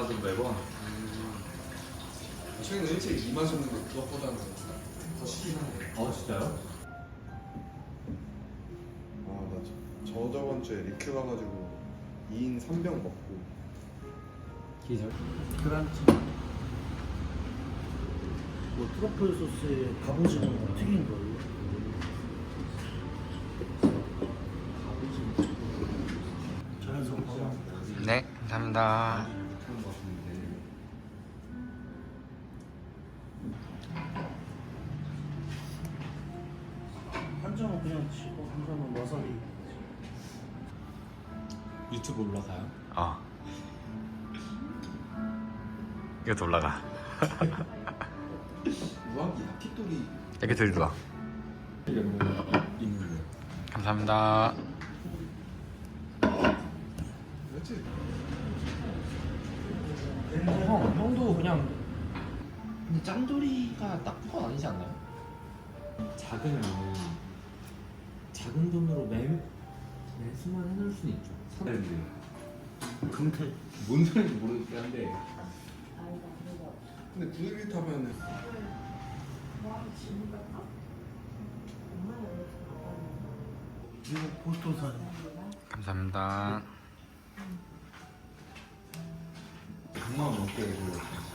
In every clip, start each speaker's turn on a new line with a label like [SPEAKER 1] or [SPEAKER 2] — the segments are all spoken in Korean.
[SPEAKER 1] 달라도 매번.
[SPEAKER 2] 최근에 일찍 2만 줬는데 그것보다는 더 시긴 하네.
[SPEAKER 1] 진짜요?
[SPEAKER 2] 나 저번 주에 리큐 가가지고 2인 3병 먹고
[SPEAKER 1] 기절?
[SPEAKER 3] 그란치 뭐 트러플 소스에 갑오징어 튀긴 걸로. 자연스럽고
[SPEAKER 4] 네, 감사합니다.
[SPEAKER 3] 한 점은 그냥 치고 한 점은 와사비.
[SPEAKER 1] 유튜브 올라가요?
[SPEAKER 4] 이것도 올라가.
[SPEAKER 2] 우아기 야키토리
[SPEAKER 4] 이렇게 들고 와.
[SPEAKER 1] 있는데.
[SPEAKER 4] 감사합니다.
[SPEAKER 2] 그렇지?
[SPEAKER 1] 형도 그냥. 근데 짠돌이가 나쁜 건 아니지 않나요? 작으면 작은 돈으로 매수만 해놓을 수는 있죠. 사는데
[SPEAKER 3] 금태
[SPEAKER 1] 뭔 소리인지 모르겠긴 한데.
[SPEAKER 2] 근데 911 타면은
[SPEAKER 3] 미국 보스턴 사람.
[SPEAKER 4] 감사합니다.
[SPEAKER 1] 100만 원 넘게 해주려고.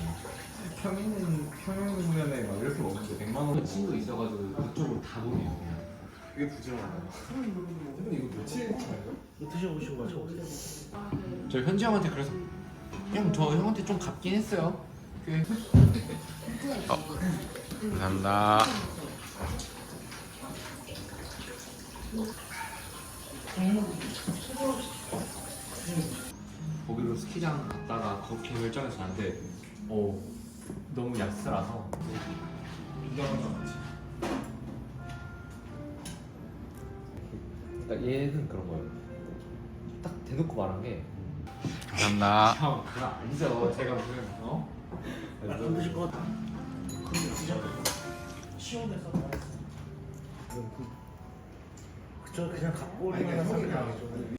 [SPEAKER 1] 평양냉면에 막 이렇게 먹는데 100만 원. 친구 있어가지고 그쪽으로 다 보내요. 그냥.
[SPEAKER 2] 그게 부지런하다. 근데 이거 며칠 차예요?
[SPEAKER 3] 이거 드셔보시고 마셔보세요.
[SPEAKER 1] 저 현지 형한테 그래서 형 저 형한테 좀 갚긴 했어요. 꽤.
[SPEAKER 4] 감사합니다.
[SPEAKER 1] 거기로 스키장 갔다가 거기 결정해서 갔는데 너무 약스라서
[SPEAKER 2] 인정한 거 같지?
[SPEAKER 1] 딱 얘는 그런 거예요. 딱 대놓고 말한 게
[SPEAKER 4] 감사합니다.
[SPEAKER 1] 형 그거 아니죠. 제가 무슨
[SPEAKER 3] 안 드실 것 같아. 근데 드셔. 시원해서 맛있어. 그저 그냥 갖고 올 만한
[SPEAKER 2] 아니, 그러니까
[SPEAKER 3] 사람이
[SPEAKER 2] 형이랑
[SPEAKER 3] 아니죠.